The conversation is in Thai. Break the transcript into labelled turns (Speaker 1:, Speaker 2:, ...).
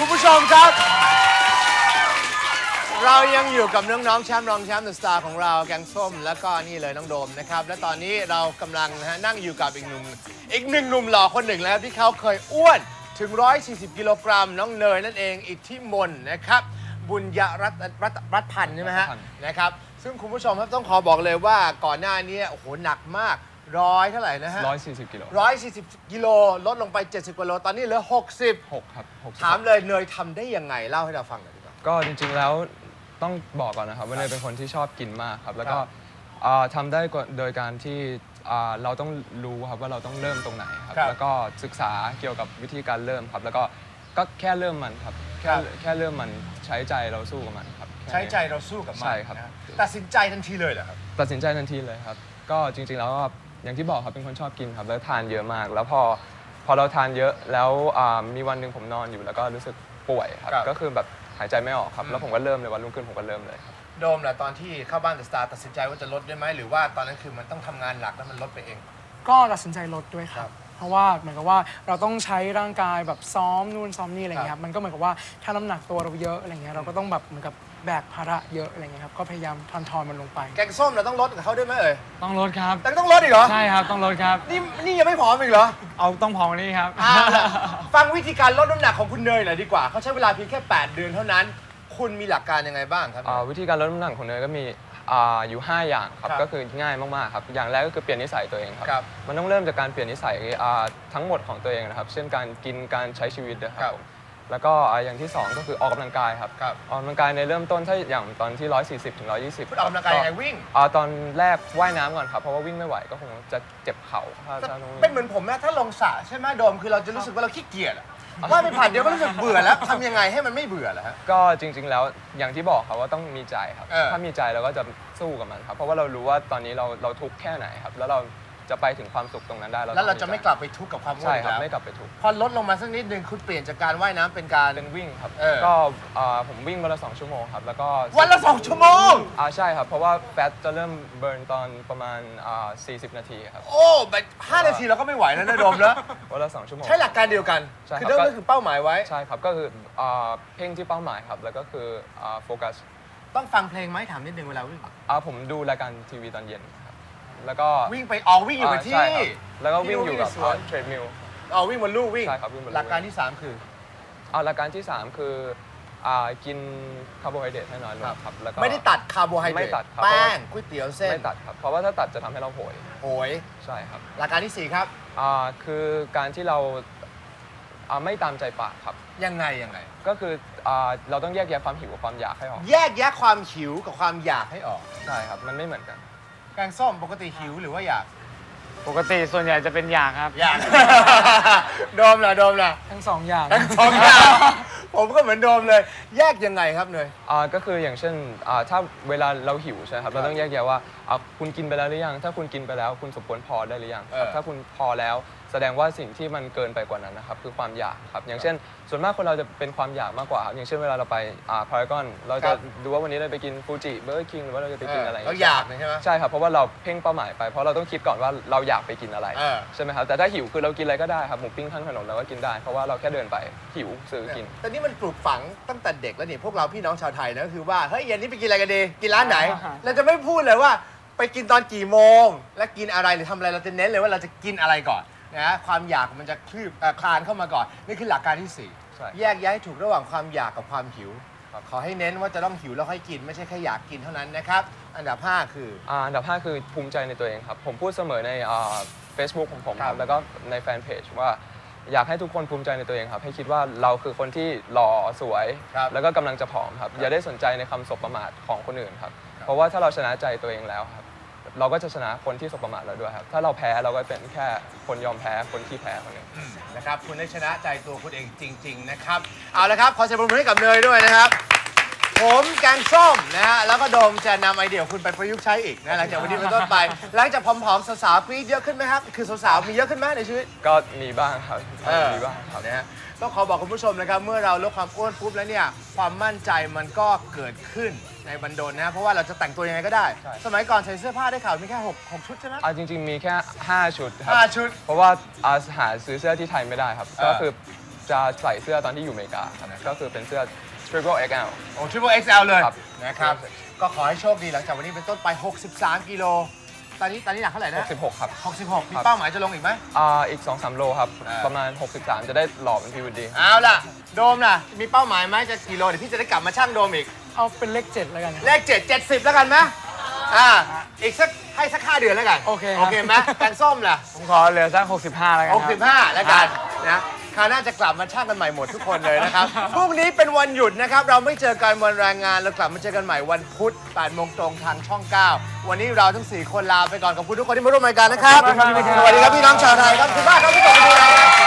Speaker 1: คุณผู้ชมครับ เรายังอยู่กับน้องๆแชมป์รองแชมป์เดอะสตาร์ของเราแกงส้มแล้วก็นี่เลยน้องโดมนะครับและตอนนี้เรากำลังนั่งอยู่กับอีกหนึ่งหนุ่มหล่อคนหนึ่งแล้วที่เขาเคยอ้วนถึง140กิโลกรัมน้องเนยนั่นเองอิทธิมนต์นะครับบุญยรัตน์พันธ์ใช่ไหมฮะนะครับซึ่งคุณผู้ชมครับต้องขอบอกเลยว่าก่อนหน้านี้โอ้โหหนักมากเท่าไหร่นะฮะ
Speaker 2: 140 กิโล
Speaker 1: 140กิโลลดลงไป70กิโลตอนนี้เหลือ
Speaker 2: 6ครับ60
Speaker 1: ถามเลยเนยทำได้ยังไงเล่าให้เราฟังหน่อยดีกว่า
Speaker 2: ก็จริงๆแล้วต้องบอกก่อนนะครับว่าเนยเป็นคนที่ชอบกินมากครับแล้วก็ทำได้โดยการที่เราต้องรู้ครับว่าเราต้องเริ่มตรงไหนครับแล้วก็ศึกษาเกี่ยวกับวิธีการเริ่มครับแล้วก็แค่เริ่มมันครับแค่เริ่มมันใช้ใจเราสู้กับมันครับ
Speaker 1: ใช้ใจเราสู้กับมัน
Speaker 2: ใช่ครับ
Speaker 1: ตัดสินใจทันทีเลยเหรอครับ
Speaker 2: ตัดสินใจทันทีเลยครับก็จริงๆแล้วอย่างที่บอกครับเป็นคนชอบกินครับแล้วทานเยอะมากแล้วพอเราทานเยอะแล้วมีวันหนึ่งผมนอนอยู่แล้วก็รู้สึกป่วยครับก็คือแบบหายใจไม่ออกครับแล้วผมก็เริ่มเลยวันรุ่งขึ้นผมก็เริ่มเลยครับ
Speaker 1: โดมแหละตอนที่เข้าบ้านเดอะสตาร์ตัดสินใจว่าจะลดได้ไหมหรือว่าตอนนั้นคือมันต้องทำงานหลักแล้วมันลดไปเอง
Speaker 3: ก็ตัดสินใจลดด้วยครับเพราะว่าเหมือนกับว่าเราต้องใช้ร่างกายแบบซ้อมนู่นซ้อมนี่อะไรเงี้ยครับมันก็เหมือนกับว่าถ้าน้ำหนักตัวเราเยอะอะไรเงี้ยเราก็ต้องแบบเหมือนกับแบกภาระเยอะอะไรเงี้ยครับก็พยายามทอนมันลงไป
Speaker 1: แกงส้มเราต้องลดกับเขาด้วยไหมเอ่ย
Speaker 3: ต้องลดครับ
Speaker 1: แต่ต้องลดอีกเหรอ
Speaker 3: ใช่ครับต้องลดครับ
Speaker 1: นี่ยังไม่ผอมอีกเหรอ
Speaker 3: เอาต้องผอมนี่ครับ
Speaker 1: ฟังวิธีการลดน้ำหนักของคุณเนยหน่อยดีกว่าเขาใช้เวลาเพียงแค่8 เดือนเท่านั้นคุณมีหลักการยังไงบ้างครับ
Speaker 2: วิธีการลดน้ำหนักของเนยก็มีอยู่5อย่างครับก็คือง่ายมากๆครับอย่างแรกก็คือเปลี่ยนนิสัยตัวเองครับมันต้องเริ่มจากการเปลี่ยนนิสัยทั้งหมดของตัวเองนะครับเช่นการกินการใช้ชีวิตนะครับแล้วก็อย่างที่2ก็คือออกกำลังกายครับออกกำลังกายในเริ่มต้นถ้าอย่างตอนที่140ถึง120
Speaker 1: คุณออกกำลังกายยังไงวิ่ง
Speaker 2: ตอนแรกว่ายน้ำก่อนครับเพราะว่าวิ่งไม่ไหวก็คงจะเจ็บเข่า
Speaker 1: เป็นเหมือนผมนะถ้าลงสระใช่ไหมโดมคือเราจะรู้สึกว่าเราขี้เกียจว่าไม่ผ่านเดี๋ยวก็รู้สึกเบื่อแล้วทำยังไงให้มันไม่เบื่อล่ะฮะ
Speaker 2: ก็จริงๆแล้วอย่างที่บอกครับว่าต้องมีใจครับถ้ามีใจเราก็จะสู้กับมันครับเพราะว่าเรารู้ว่าตอนนี้เราทุกข์แค่ไหนครับแล้วเราจะไปถึงความสุขตรงนั้นได้
Speaker 1: แล้วเราจะไม่กลับไปทุกข์กับความอ้วน
Speaker 2: ใช่ครับไม่กลับไปทุกข์
Speaker 1: พอลดลงมาสักนิดนึงคุณเปลี่ยนจากการว่ายน้ำเป็นการ
Speaker 2: วิ่งครับก็ผมวิ่งวันละ2 ชั่วโมงครับแล้วก็
Speaker 1: วันละ2 ชั่วโมง
Speaker 2: ใช่ครับเพราะว่าแฟตจะเริ่มเบิร์นตอนประมาณ40 นาทีครับ
Speaker 1: โอ้แบบ5 นาทีเราก็ไม่ไหวแล้วนะโดมนะ
Speaker 2: วันละ2 ชั่วโมง
Speaker 1: ใช้หลักการเดียวกันคือเริ่มก็คือเป้าหมายไว้
Speaker 2: ใช่ครับก็คือเพ่งที่เป้าหมายครับแล้วก็คือโฟกัส
Speaker 1: ต้องฟังเพลงไหมถามนิดนึงเวลาวิ่ง
Speaker 2: ผมดูรายการทีวีตอนเย็นครับแล้วก็
Speaker 1: วิ่งไปวิ่งอยู่กับที่
Speaker 2: แล้วก็วิ่งอยู่กับเทรดมิล
Speaker 1: วิ่งบนลู่วิ่ง
Speaker 2: ใช่ครับวิ่งบนลู่
Speaker 1: หลักการที่3คือ
Speaker 2: หลักการที่3คือกินคาร์โบไฮเดรตให้น้อยลงครับแล้วก็
Speaker 1: ไม่ได้ตัดคาร์โบไฮเดรต
Speaker 2: ไม่ตัด
Speaker 1: แป้งก๋วยเตี๋ยวเส้น
Speaker 2: ไม่ตัดครับเพราะว่าถ้าตัดจะทำให้เราโหยใช่ครับ
Speaker 1: หลักการที่4ครับ
Speaker 2: คือการที่เราไม่ตามใจปากครับ
Speaker 1: ยังไง
Speaker 2: ก็คือเราต้องแยกแยะความหิวกับความอยากให้ออก
Speaker 1: แยกแยะความหิวกับความอยากให้ออก
Speaker 2: ใช่ครับมันไม่เหมือนกัน
Speaker 1: แกงส้มปกติหิวหรือว่าอยาก
Speaker 3: ปกติส่วนใหญ่จะเป็นอยากครับ
Speaker 1: อยากโดมล่ะ
Speaker 3: ทั้ง2 อย่าง
Speaker 1: ผมก็เหมือนโดมเลยแยกยังไงครับเนย
Speaker 2: ก็คืออย่างเช่นถ้าเวลาเราหิวใช่ครับเราต้องแยกแยะว่าคุณกินไปแล้วหรือยังถ้าคุณกินไปแล้วคุณสมควรพอได้หรือยังถ้าคุณพอแล้วแสดงว่าสิ่งที่มันเกินไปกว่านั้นนะครับคือความอยากครับอย่างเช่นส่วนมากคนเราจะเป็นความอยากมากกว่าครับอย่างเช่นเวลาเราไปพารากอนเราจะดูว่าวันนี้เราไปกินฟูจิเบอร์เกอร์คิงหรือว่าเราจะไปกินอะไร
Speaker 1: เราอยากใช่ไหม
Speaker 2: ใช่ครับเพราะว่าเราเพ่งเป้าหมายไปเพราะเราต้องคิดก่อนว่าเราอยากไปกินอะไรใช่ไหมครับแต่ถ้าหิวคือเรากินอะไรก็ได้ครับหมูปิ้งข้างถนนเราก็กินได้เพราะว่าเราแค่เดินไปหิวซื้อกิน
Speaker 1: แต่นี่มันปลูกฝังตั้งแต่เด็กแล้วนี่พวกเราพี่น้องชาวไทยนะก็คือว่าเฮ้ยเย็นนี้ไปกินอะไรกันดีกินร้านไหนเราจะไม่พูดเลยว่าไปกินตอนกี่โมงและกินอะไรหรือทำอะไรเราจะเน้นเลยว่าเราจะกินอะไรก่อนนะความอยากมันจะคลานเข้ามาก่อนนี่คือหลักการที่4แยกแยะให้ถูกระหว่างความอยากกับความหิวขอให้เน้นว่าจะต้องหิวแล้วค่อยกินไม่ใช่แค่อยากกินเท่านั้นนะครับอันดับ5คือ
Speaker 2: อันดับ5คือภูมิใจในตัวเองครับผมพูดเสมอในFacebook ของผมครับแล้วก็ในแฟนเพจว่าอยากให้ทุกคนภูมิใจในตัวเองครับให้คิดว่าเราคือคนที่หล่อสวยแล้วก็กำลังจะผอมครับอย่าได้สนใจในคำสบประมาทของคนอื่นครับเพราะว่าถ้าเราชนะใจตัวเองแล้วครับเราก็จะชนะคนที่สบประมาทเราด้วยครับถ้าเราแพ้เราก็เป็นแค่คนยอมแพ้คนที่แพ้คนหนึ่ง
Speaker 1: นะครับคุณได้ชนะใจตัวคุณเองจริงๆนะครับเอาละครับขอเสียงปรบมือให้กับเนยด้วยนะครับผมแกงส้มนะฮะแล้วก็โดมจะนำไอเดียคุณไปประยุกต์ใช้อีกนะหลังจากวันนี้เป็นต้นไปหลังจากผอมๆสาวๆปี๊ดเยอะขึ้นไหมครับคือสาวๆมีเยอะขึ้นไหมในชีวิต
Speaker 2: ก็มีบ้างครับมีบ้างครับ
Speaker 1: นะฮะต้องขอบอกคุณผู้ชมนะครับเมื่อเราลดความอ้วนปุ๊บแล้วเนี่ยความมั่นใจมันก็เกิดขึ้นในบันดลนะเพราะว่าเราจะแต่งตัวยังไงก็ได้สมัยก่อนใส่เสื้อผ้าได้ข่าวมีแค่6ชุดใช่ไหม
Speaker 2: จริงๆมีแค่5 ชุดครับ
Speaker 1: 5 ชุด
Speaker 2: เพราะว่าหาซื้อเสื้อที่ไทยไม่ได้ครับก็คือจะใส่เสื้อตอนที่อยู่อเมริกาครับก็คือเป็นเสื้อ Triple XL
Speaker 1: โอ้ Triple XL เลย
Speaker 2: ครับ
Speaker 1: นะครับ ก็ขอให้โชคดีหลังจากวันนี้เป็นต้นไป 63 กิโล ตอนนี้หนักเท่าไหร่นะ
Speaker 2: 66 ครับ
Speaker 1: 66 มีเป้าหมายจะลงอีกไหม
Speaker 2: อีก 2-3 โลครับ ประมาณ 63 จะได้หล่อเป็นพีวดี
Speaker 1: เอาล่ะ โดมล่ะ มีเป้าหมายไหมจะกี่โล เดี๋ยวพี่จะได้กลับมาชั่งโดมอีก
Speaker 3: เอาเป็นเลข 7 แล้วกันครับ
Speaker 1: เลข 7 70 แล้วกันไหมอีกสัก 5 เดือนแล้วกัน
Speaker 3: โอเคครับ
Speaker 1: โอเคไหมแกงส้มล่ะ
Speaker 3: ผมขอเหลือสัก65 แล้วกันครับ
Speaker 1: 65 แล้วกันนะคราวหน้าจะกลับมาช่างกันใหม่หมดทุกคนเลยนะครับ พรุ่งนี้เป็นวันหยุดนะครับ เราไม่เจอกันวันแรงงาน เรากลับมาเจอกันใหม่วันพุธ 8 โมงตรงทางช่อง 9 วันนี้เราทั้ง 4 คนลาไปก่อนขอบคุณทุกคนที่มาร่วมรายการนะครับ
Speaker 3: ขอบคุณมากครับ
Speaker 1: สวัสดีครับพี่น้องชาวไทยครับขอบคุณมากครับที่กลับมาดูรายการ